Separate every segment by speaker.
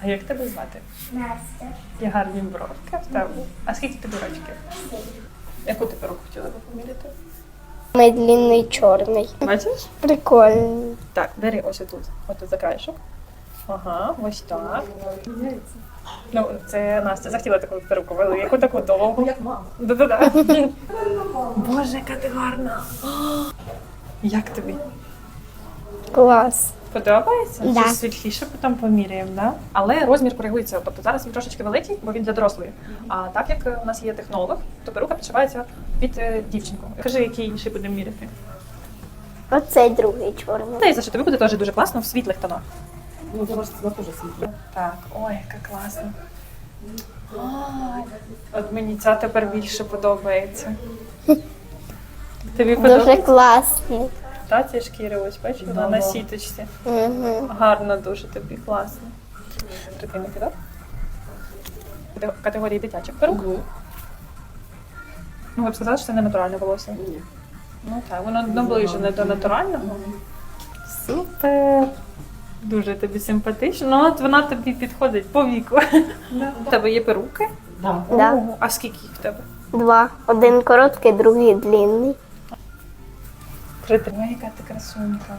Speaker 1: А як тебе звати?
Speaker 2: Настя.
Speaker 1: Є гарні бровки в тебе. А скільки тобі рочків? Яку ти перуку хотіла би поміряти?
Speaker 2: Мій длинний чорний.
Speaker 1: Бачиш?
Speaker 2: Прикольний.
Speaker 1: Так, бери ось отут. Отут за краєшок. Ага, ось так. Ну, це Настя захотіла таку перуку, яку таку довгу.
Speaker 3: Як мама.
Speaker 1: Да-да-да. Боже, яка ти гарна. Як тобі?
Speaker 2: Клас.
Speaker 1: Подобається?
Speaker 2: Да.
Speaker 1: Чи світліше потім поміряємо, да? Але розмір коригується. Тобто зараз він трошечки великий, бо він для дорослої. А так як у нас є технолог, то перука підшивається під дівчинку. Кажи, який інший будемо міряти.
Speaker 2: Оцей другий чорний.
Speaker 1: Здається, що тобі буде теж дуже класно в світлих тонах.
Speaker 3: Ну, це вона теж світло.
Speaker 1: Так, ой, яка класна. Ой, от мені ця тепер більше подобається. Тобі
Speaker 2: Дуже
Speaker 1: подобається?
Speaker 2: класний.
Speaker 1: Та ці шкіри, ось бачиш, вона на сіточці.
Speaker 2: Угу.
Speaker 1: Гарно дуже тобі, класно. Прикинути, так? Категорії дитячих перук. Ну, ви б сказали, що це не натуральне волосся?
Speaker 3: Ні.
Speaker 1: Ну так, воно наближене до натурального. Супер! Дуже тобі симпатично. Ну, от вона тобі підходить по віку. У тебе є перуки?
Speaker 3: Да.
Speaker 2: Да.
Speaker 1: Ого, а скільки їх в тебе?
Speaker 2: Два. Один короткий, другий длинний.
Speaker 1: Ой, яка ти красунька.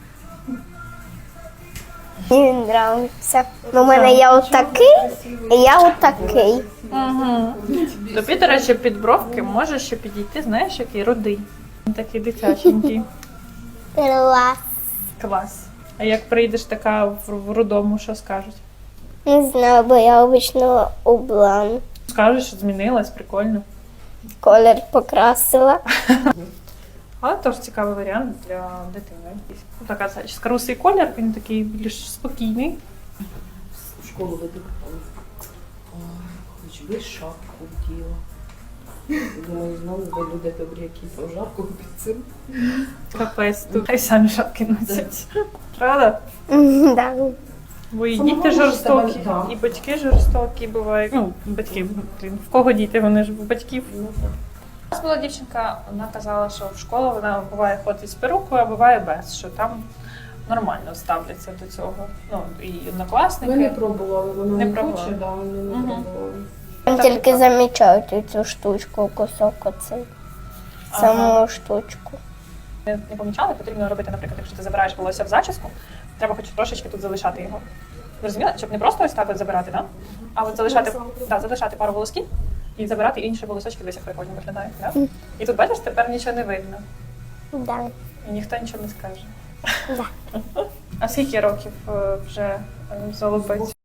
Speaker 2: Мені він нравиться. У мене є отакий, і я отакий.
Speaker 1: Угу. Тобі, до речі, під бровки може ще підійти, знаєш, який рудий. Він такий дитяченький.
Speaker 2: Клас.
Speaker 1: Клас. А як прийдеш така в рудому, що скажуть?
Speaker 2: Не знаю, бо я обично облан.
Speaker 1: Скажуть, що змінилась, прикольно.
Speaker 2: Колір покрасила.
Speaker 1: Але теж цікавий варіант для дитини. Ну, така зачіска. Русий колір, він такий більш спокійний.
Speaker 3: В школу веду. Ой, хоч би шапку вділа. Думаю, знову ви люди добрі, які пожарку під цим.
Speaker 1: Капець, тут хай самі шапки носять. Правда?
Speaker 2: Да.
Speaker 1: Бо і
Speaker 3: Це
Speaker 1: діти
Speaker 3: нормально,
Speaker 1: жорстокі,
Speaker 3: що тебе, да.
Speaker 1: і батьки жорстокі бувають. Ну, батьки, блін, в кого діти, вони ж в батьків.
Speaker 3: Ну, так.
Speaker 1: У нас була дівчинка, вона казала, що в школу вона буває ходить з перукою, а буває без, що там нормально ставляться до цього. Ну, і однокласники.
Speaker 3: Ми не пробували, воно
Speaker 1: Не
Speaker 3: не
Speaker 1: пробували.
Speaker 3: хоче, да, ми не
Speaker 1: Мгм.
Speaker 3: пробували.
Speaker 2: Там тільки замічають цю штучку, кусок оцей. Саму штучку.
Speaker 1: Не помічали, потрібно робити, наприклад, якщо ти забираєш волосся в зачіску, треба хоч трошечки тут залишати його. Ви розуміли? Щоб не просто ось так от забирати, да? А от залишати пару волосків і забирати інші волосочки, десь як прикольно виглядає. Да? І тут, бачиш, тепер нічого не видно.
Speaker 2: Да.
Speaker 1: І ніхто нічого не скаже.
Speaker 2: Да.
Speaker 1: А скільки років вже золобець?